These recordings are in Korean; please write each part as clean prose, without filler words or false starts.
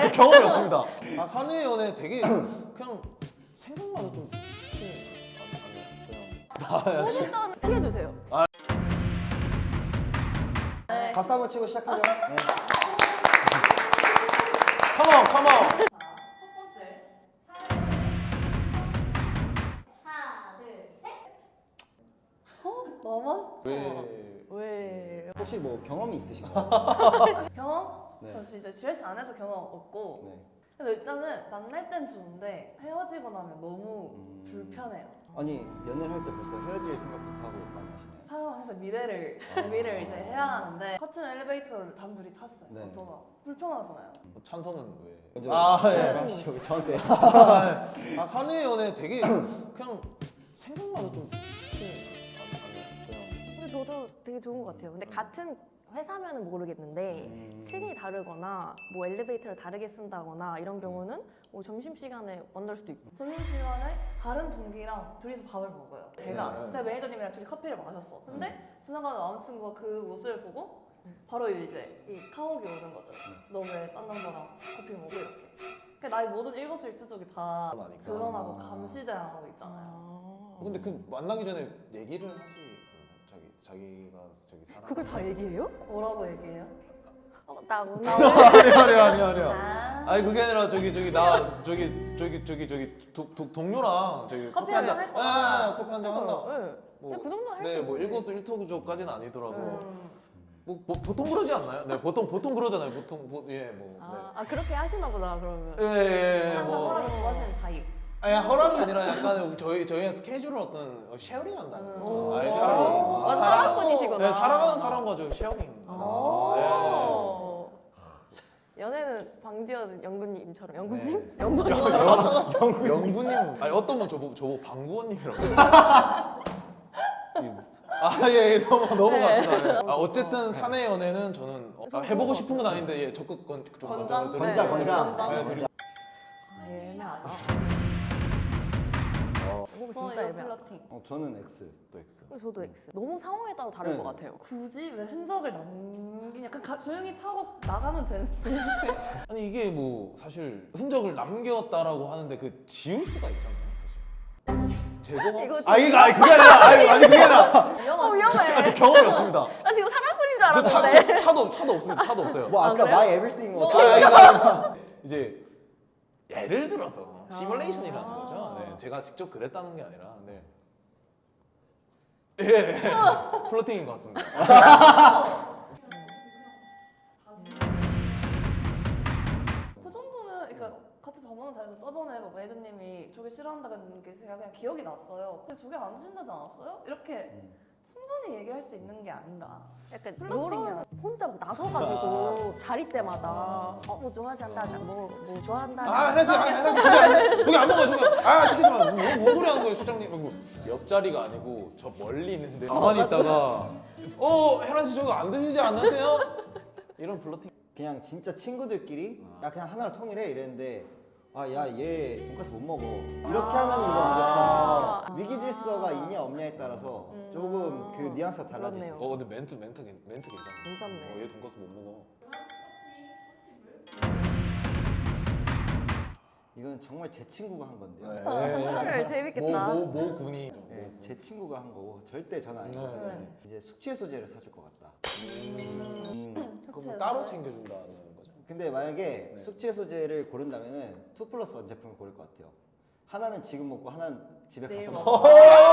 아직 경험이 없습니다. 아, 사내 연애 되게 그냥 생각만 해도 좀 소주잔 피해주세요. 박수 한번 치고 시작하죠. 네. 컴온 컴온. 너만? 왜? 혹시 뭐 경험이 있으신가요? 경험? 네. 저 진짜 GS 안에서 경험 없고 네. 근데 일단은 만날 땐 좋은데 헤어지고 나면 너무 불편해요. 아니 연애를 할 때 벌써 헤어질 생각부터 하고 만나시네요. 사람은 항상 미래를 이제 해야 하는데 같은 엘리베이터를 단둘이 탔어요. 네. 어쩌다 불편하잖아요. 찬성은 왜? 먼저 아 예. 여기 저한테. 아 사내 연애 되게 그냥 생각만 해도 좀 근데 저도 되게 좋은 것 같아요. 근데 같은 회사면은 모르겠는데 층이 다르거나 뭐 엘리베이터를 다르게 쓴다거나 이런 경우는 뭐 점심시간에 만날 수도 있고. 점심시간에 다른 동기랑 둘이서 밥을 먹어요. 제가 네. 제 매니저님이랑 둘이 커피를 마셨어. 근데 지나가는 남자친구가 그 모습을 보고 바로 이제 이 카옥이 오는 거죠. 너 왜 딴 남자랑 커피 먹고 이렇게. 그러니까 나의 모든 일거수일투족이 다 드러나니까. 드러나고 감시당하고 있잖아요. 근데 그 만나기 전에 얘기를 하지 자기가 저기 사람 그걸 다 얘기해요? 뭐라고 얘기해요? 나 오늘 아니요. 아, 아니 그게 아니라 나 동료랑 저기 커피 한잔 할 거야. 네, 커피 한잔 한다. 네. 그냥 그 정도는 할수 네, 뭐 있는데. 일거수일투족까지는 아니더라도 음. 뭐 보통 그러지 않나요? 네, 보통 그러잖아요. 보통 아 그렇게 하시나 보다 그러면. 예, 항상 뭐. 허락을 좋아하시는 타입. 아니 허락이 아니라 약간 저희의 스케줄을 어떤 쉐어링한다는 거죠. 아니, 오. 아, 사랑꾼이시구나. 네, 사랑하는 사람과 저 쉐어링. 연애는 방지연 연구님처럼 연구님? 네. 연구님? 영구님. 아니 어떤 분 저보고 방구원님이라고. 아예 넘어갑시다. 예. 아 어쨌든 사내 연애는 저는 해보고 싶은 건 아닌데 예, 적극 좀 권장? 권장. 네, 드리고 애매하다. 이거 저는 진짜 이거 애매하다. 플러팅. 저는 X. 또 X. 저도 X. 너무 상황에 따라 다를 네. 것 같아요. 굳이 왜 흔적을 남기냐? 그냥 조용히 타고 나가면 되는데. 아니 이게 뭐 사실 흔적을 남겼다라고 하는데 그 지울 수가 있잖아요, 사실. 제거가. 이거 그게 아니라 아니 그게 아니라 위험하시네. 위험해. 아직 경험이 없습니다. 나 지금 사랑꾼인 줄 저 알았는데. 차도 없습니다. 차도 없어요. 뭐 아까 그래요? my everything 뭐. 이제 예를 들어서 시뮬레이션이라는 거죠. 네, 제가 직접 그랬다는 게 아니라 네. 예, 플러팅인 것 같습니다. 그 정도는 그러니까 같이 밥 먹는 자리에서 저번에 뭐 매니저님이 조개 싫어한다는 게 제가 그냥 기억이 났어요. 근데 조개 안 드신다지 않았어요? 이렇게 충분히 얘기할 수 있는 게 아닌가. 약간 플러팅이야. 요런 혼자 막 나서가지고 자리 때마다 뭐 좋아하지 않다 하자 뭐 좋아한다 하자. 혜란씨 저기 안 먹어 저기. 시키지 마. 뭔 소리 하는 거예요, 실장님? 옆자리가 아니고 저 멀리 있는데 가만히 있다가 혜란씨 저거 안 드시지 않으세요? 이런 플러팅. 그냥 진짜 친구들끼리 야 그냥 하나로 통일해 이랬는데 야 얘 돈까스 못 먹어 이렇게 하면 이거 완전 위기 질서가 있냐 없냐에 따라서 조금 그 뉘앙스가 달라질 수 그렇네요. 있어요. 근데 멘트 괜찮아. 괜찮네. 얘 돈까스 못 먹어. 이건 정말 제 친구가 한 건데요. 헐, 재밌겠다. 모 군이. 네, 제 친구가 한 거고 절대 저는 아니거든요. 네. 이제 숙취 소재를 사줄 것 같다. 그럼 따로 챙겨준다는 거죠? 근데 만약에 네. 숙취 소재를 고른다면은 2+1 제품을 고를 것 같아요. 하나는 지금 먹고 하나는 집에 내일 가서 먹어. 먹고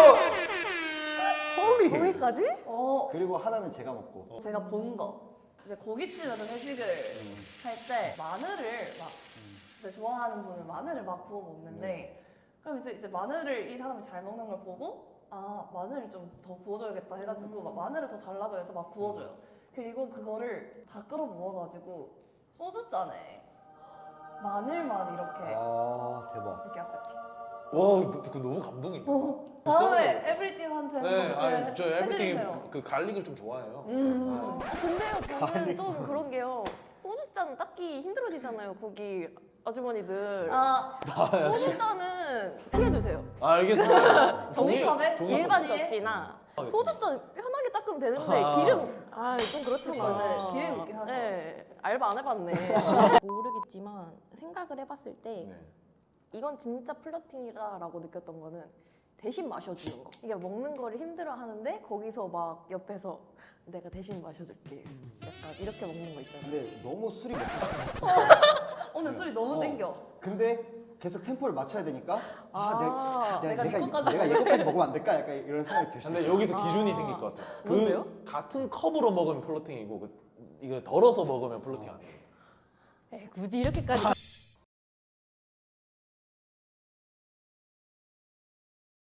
거기까지? 그리고 하나는 제가 먹고 제가 본 거. 이제 고깃집에서 회식을 할 때 마늘을 막 이제 좋아하는 분은 마늘을 막 구워 먹는데 그럼 이제 마늘을 이 사람이 잘 먹는 걸 보고 마늘을 좀 더 구워줘야겠다 해가지고 막 마늘을 더 달라고 해서 막 구워줘요. 그리고 그거를 다 끌어 모아가지고 소주잔에 마늘만 이렇게 대박. 이렇게 앞에 와, 그 너무 감동이에요. 다음에 에브리띵한테 네, 한번 저 해드리세요. 에브리띵 그 갈릭을 좀 좋아해요. 근데요 저는 좀 그런 게요. 소주잔 닦기 힘들어지잖아요. 거기 아주머니들. 소주잔은 피해주세요. 알겠습니다. 종이컵에? 종이- 일반 접시에? 접시나 아, 소주잔 편하게 깨끗하게 닦으면 되는데 아. 기름 좀 그렇잖아. 맞아요. 기름이 있긴 하죠. 네, 알바 안 해봤네. 모르겠지만 생각을 해봤을 때 네. 이건 진짜 플러팅이다라고 느꼈던 거는 대신 마셔주는 거. 이게 먹는 거를 힘들어하는데 거기서 막 옆에서 내가 대신 마셔줄게. 약간 이렇게 먹는 거 있잖아. 근데 너무 술이 먹고 오늘 술이 너무 어. 땡겨. 근데 계속 템포를 맞춰야 되니까 내가 네 것까지 내가 얘것까지 먹으면 안 될까? 약간 이런 생각이 들 수 근데 있어요. 여기서 기준이 생길 것 같아요. 뭔데요? 같은 컵으로 먹으면 플러팅이고 이거 덜어서 먹으면 플러팅 아니에요. 에이, 굳이 이렇게까지